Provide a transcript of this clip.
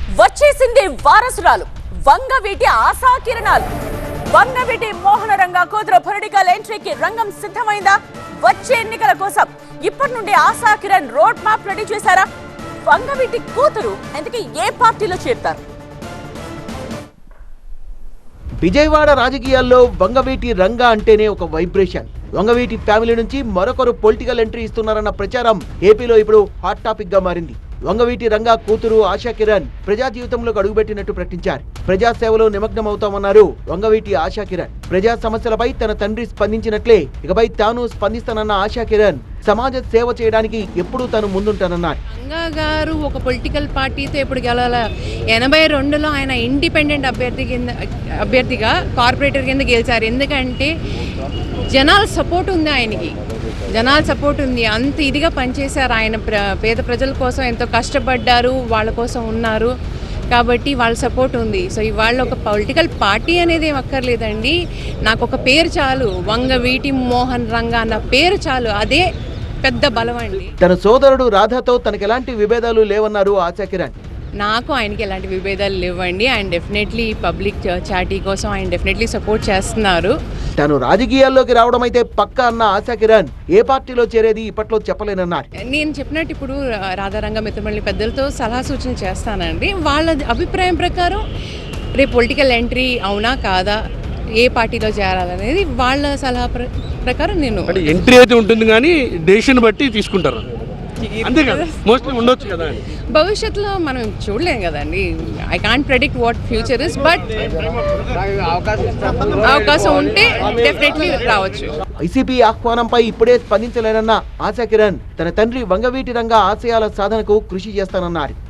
వచ్చేసింది వారసురాలు వంగవీటి ఆశాకిరణాలు. వంగవీటి మోహన రంగ కూతురు పొలిటికల్ ఎంట్రీకి రంగం సిద్ధమైందా? వచ్చే ఎన్నికల కోసం ఇప్పటి నుండి ఆశాకిరణ్ రోడ్ మ్యాప్ రెడీ చేశారా? వంగవీటి కూతురు ఎందుకు ఏ పార్టీలో చేరుతారు? విజయవాడ రాజకీయాల్లో వంగవీటి రంగ అంటేనే ఒక వైబ్రేషన్. వంగవీటి ఫ్యామిలీ నుంచి మరొకరు పొలిటికల్ ఎంట్రీ ఇస్తున్నారన్న ప్రచారం ఏపీలో ఇప్పుడు హాట్ టాపిక్ గా మారింది. వంగవీటి రంగ కూతురు ఆశాకిరణ్ ప్రజా జీవితంలోకి అడుగుపెట్టినట్టు ప్రకటించారు. ప్రజాసేవలో నిమగ్నమవుతామన్నారు వంగవీటి ఆశాకిరణ్. ప్రజా సమస్యలపై తన తండ్రి స్పందించినట్లే ఇకపై తాను స్పందిస్తానన్న ఆశాకిరణ్ సమాజ సేవ చేయడానికి ఎప్పుడూ తాను ముందుంటానన్నారు. రంగా గారు ఒక పొలిటికల్ పార్టీతో ఎప్పుడు గెలవాల 82లో ఆయన ఇండిపెండెంట్ అభ్యర్థిగా కార్పొరేటర్ కింద గెలిచారు. ఎందుకంటే జనాల సపోర్ట్ ఉంది, ఆయనకి జనాల సపోర్ట్ ఉంది. అంత ఇదిగా పనిచేశారు ఆయన. పేద ప్రజల కోసం ఎంతో కష్టపడ్డారు, వాళ్ళ కోసం ఉన్నారు కాబట్టి వాళ్ళ సపోర్ట్ ఉంది. సో ఇవాళ ఒక పొలిటికల్ పార్టీ అనేది ఏం అక్కర్లేదండి. నాకు ఒక పేరు చాలు, వంగవీటి మోహన్ రంగ అన్న పేరు చాలు, అదే పెద్ద బలం అండి. తన సోదరుడు రాధాతో తనకు ఎలాంటి విభేదాలు లేవన్నారు ఆశాకిరణ్. నాకు ఆయనకి ఎలాంటి విభేదాలు లేవండి. ఆయన డెఫినెట్లీ పబ్లిక్ చాటీ కోసం ఆయన డెఫినెట్లీ సపోర్ట్ చేస్తున్నారు. తను రాజకీయాల్లోకి రావడం అయితే పక్కా అన్న ఆశాకిరణ్ ఏ పార్టీలో చేరేది ఇప్పట్లో చెప్పలేనన్నారు. నేను చెప్పినట్టు ఇప్పుడు రాధారంగ మిత్రమల్లి పెద్దలతో సలహా సూచన చేస్తానండి. వాళ్ళ అభిప్రాయం ప్రకారం రేపు పొలిటికల్ ఎంట్రీ అవునా కాదా, ఏ పార్టీలో చేరాలనేది వాళ్ళ సలహా ప్రకారం నేను ఎంట్రీ అయితే ఉంటుంది, కానీ డెసిషన్ బట్టి తీసుకుంటారు. అంతే కదా, మోస్ట్లీ ఉండొచ్చు కదా. భవిష్యత్తులో మనం చూడలేం కదండి. I can't predict what future is, but అవకాశం ఉంటే డెఫినెట్లీ రావచ్చు. వైసీపీ ఆహ్వానంపై ఇప్పుడే స్పందించలేనన్న ఆశాకిరణ్ తన తండ్రి వంగవీటి రంగ ఆశయాల సాధనకు కృషి చేస్తానన్నారు.